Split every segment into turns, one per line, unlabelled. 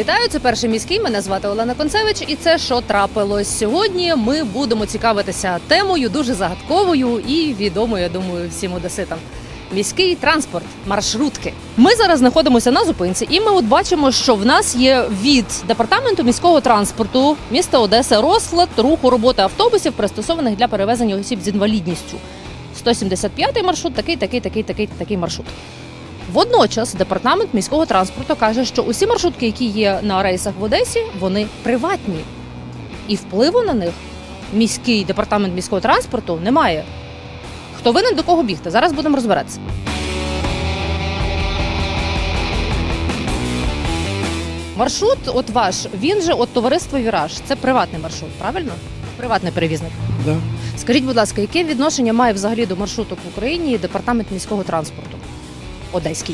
Вітаю, це «Перший міський», мене звати Олена Концевич і це «Що трапилось?». Сьогодні ми будемо цікавитися темою дуже загадковою і відомою, я думаю, всім одеситам. Міський транспорт, маршрутки. Ми зараз знаходимося на зупинці і ми от бачимо, що в нас є від Департаменту міського транспорту міста Одеси розклад руху роботи автобусів, пристосованих для перевезення осіб з інвалідністю. 175-й маршрут, такий маршрут. Водночас Департамент міського транспорту каже, що усі маршрутки, які є на рейсах в Одесі, вони приватні. І впливу на них міський департамент міського транспорту не має. Хто винен, до кого бігти? Зараз будемо розбиратися. Маршрут от ваш, він же от товариство «Віраж». Це приватний маршрут, правильно? Приватний перевізник.
Да.
Скажіть, будь ласка, яке відношення має взагалі до маршруток в Україні департамент міського транспорту? Одеський.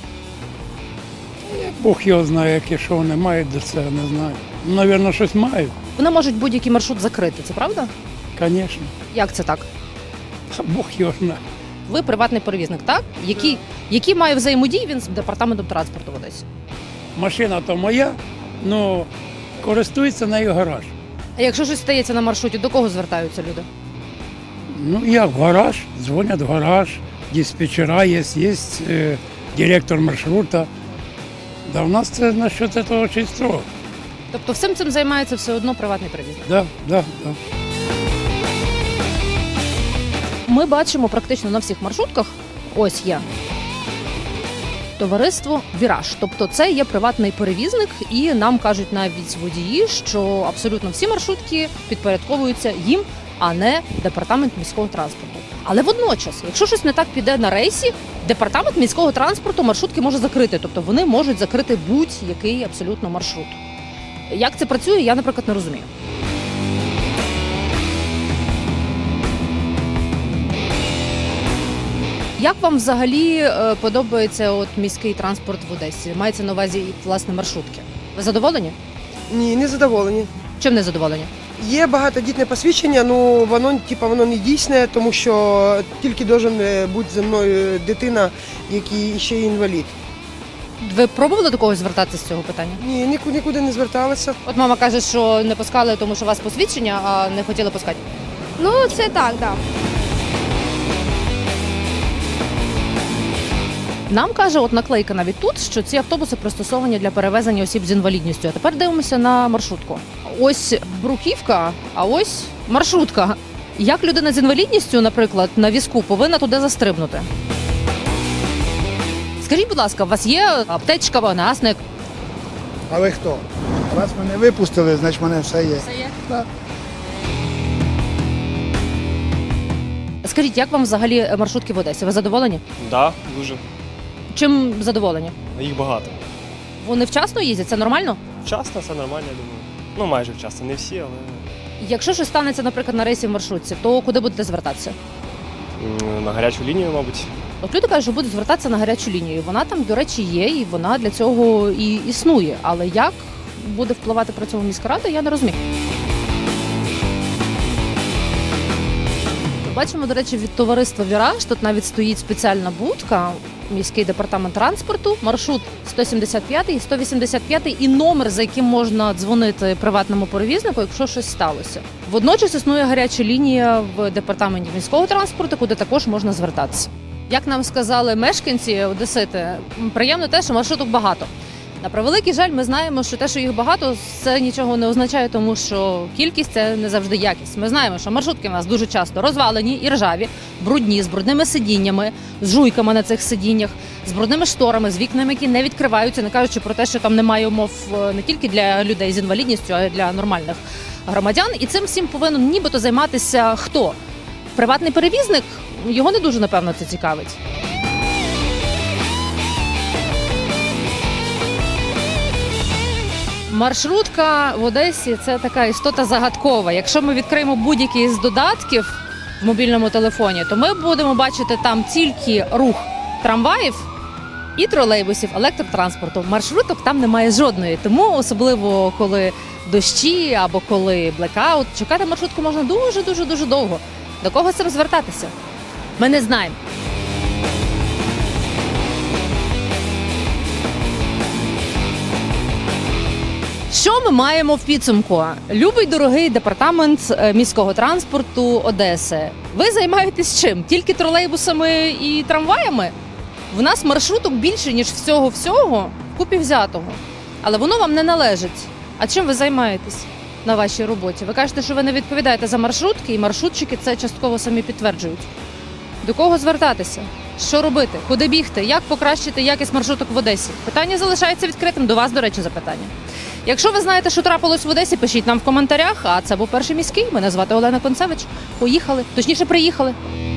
Бог його знає, яке що вони мають до цього, не знаю. Ну, навірно, щось мають,
Вони можуть будь-який маршрут закрити, це правда?
звісно.
Як це так?
Бог його знає.
Ви приватний перевізник, так? Які має взаємодії він з департаментом транспорту в Одесі?
Машина то моя, але користується нею гараж.
А якщо щось стається на маршруті, до кого звертаються люди?
Ну, як в гараж, дзвонять в гараж, диспетчера є, директор маршрута. Да, у нас це насчет цього дуже строго.
Тобто всім цим займається все одно приватний перевізник?
Да.
Ми бачимо практично на всіх маршрутках, ось є, товариство «Віраж». Тобто це є приватний перевізник і нам кажуть навіть водії, що абсолютно всі маршрутки підпорядковуються їм, а не департамент міського транспорту. Але водночас, якщо щось не так піде на рейсі, департамент міського транспорту маршрутки може закрити. Тобто вони можуть закрити будь-який абсолютно маршрут. Як це працює, я, наприклад, не розумію. Як вам взагалі подобається от міський транспорт в Одесі? Мається на увазі, власне, маршрутки. Ви задоволені?
Ні, не задоволені.
Чим не задоволені?
Є багатодітне посвідчення, ну воно не дійсне, тому що тільки має бути зі мною дитина, який ще й інвалід.
Ви пробували до когось звертатися з цього питання?
Ні, нікуди не зверталася.
От мама каже, що не пускали, тому що у вас посвідчення, а не хотіли пускати.
Ну, це так, так.
Нам каже, от наклейка навіть тут, що ці автобуси пристосовані для перевезення осіб з інвалідністю. А тепер дивимося на маршрутку. Ось бруківка, а ось маршрутка. Як людина з інвалідністю, наприклад, на візку повинна туди застрибнути? Скажіть, будь ласка, у вас є аптечка, вогнегасник?
А ви хто? Вас мене випустили, значить в мене все є.
Все є?
Так.
Скажіть, як вам взагалі маршрутки в Одесі? Ви задоволені?
Да, дуже.
Чим задоволені?
Їх багато.
Вони вчасно їздять? Це нормально?
Вчасно, все нормально, я думаю. Ну, майже вчасно, не всі, але
Якщо щось станеться, наприклад, на рейсі в маршрутці, то куди будете звертатися?
на гарячу лінію, мабуть.
От люди кажуть, що будуть звертатися на гарячу лінію. Вона там, до речі, є, і вона для цього і існує. Але як буде впливати при цьому міська рада, я не розумію. Бачимо, до речі, від товариства «Віраж» тут навіть стоїть спеціальна будка, міський департамент транспорту, маршрут 175 і 185 і номер, за яким можна дзвонити приватному перевізнику, якщо щось сталося. Водночас існує гаряча лінія в департаменті міського транспорту, куди також можна звертатися. Як нам сказали мешканці одесити, приємно те, що маршруток багато. На превеликий жаль, ми знаємо, що те, що їх багато, це нічого не означає, тому що кількість – це не завжди якість. Ми знаємо, що маршрутки в нас дуже часто розвалені і ржаві, брудні, з брудними сидіннями, з жуйками на цих сидіннях, з брудними шторами, з вікнами, які не відкриваються, не кажучи про те, що там немає умов не тільки для людей з інвалідністю, а й для нормальних громадян. І цим всім повинен нібито займатися хто? Приватний перевізник? Його не дуже, напевно, це цікавить. Маршрутка в Одесі – це така істота загадкова. Якщо ми відкриємо будь-який з додатків в мобільному телефоні, то ми будемо бачити там тільки рух трамваїв і тролейбусів, електротранспорту. Маршруток там немає жодної. Тому особливо, коли дощі або коли блекаут, чекати маршрутку можна дуже довго. До кого з цим звертатися? Ми не знаємо. Що ми маємо в підсумку? Любий дорогий департамент міського транспорту Одеси. Ви займаєтесь чим? Тільки тролейбусами і трамваями? В нас маршруток більше, ніж всього вкупі взятого. Але воно вам не належить. А чим ви займаєтесь на вашій роботі? Ви кажете, що ви не відповідаєте за маршрутки, і маршрутчики це частково самі підтверджують. До кого звертатися? Що робити? Куди бігти? Як покращити якість маршруток в Одесі? Питання залишається відкритим. До вас, до речі, запитання. Якщо ви знаєте, що трапилось в Одесі, пишіть нам в коментарях. А це був Перший міський. Мене звати Олена Концевич. Поїхали. Точніше, приїхали.